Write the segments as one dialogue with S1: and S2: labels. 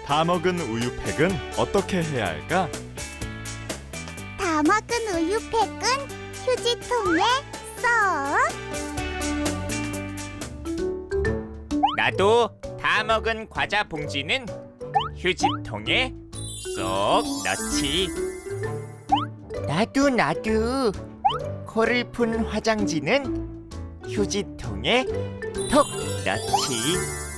S1: 다 먹은 우유팩은 어떻게 해야 할까?
S2: 다 먹은 우유팩은 휴지통에 쏙.
S3: 나도 다 먹은 과자 봉지는 휴지통에 쏙 넣지. 나도 코를 푼 화장지는 휴지통에 톡 넣지.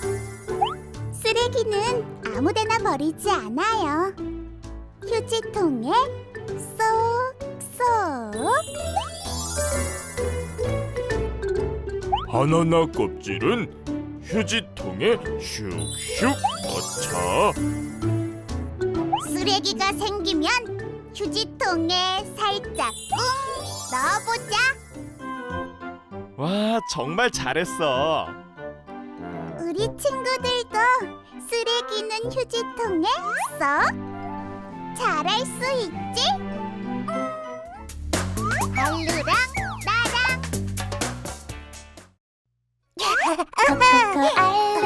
S2: 쓰레기는 아무데나 버리지 않아요. 휴지통에 쏙쏙.
S1: 바나나 껍질은 휴지통에 슉슉 넣자.
S2: 쓰레기가 생기면 휴지통에 살짝 꾹 넣어보자.
S1: 와, 정말 잘했어.
S2: 우리 친구들도 쓰레기는 휴지통에 쏙. 잘할 수 있지? 알루랑 나랑. 코코코 알루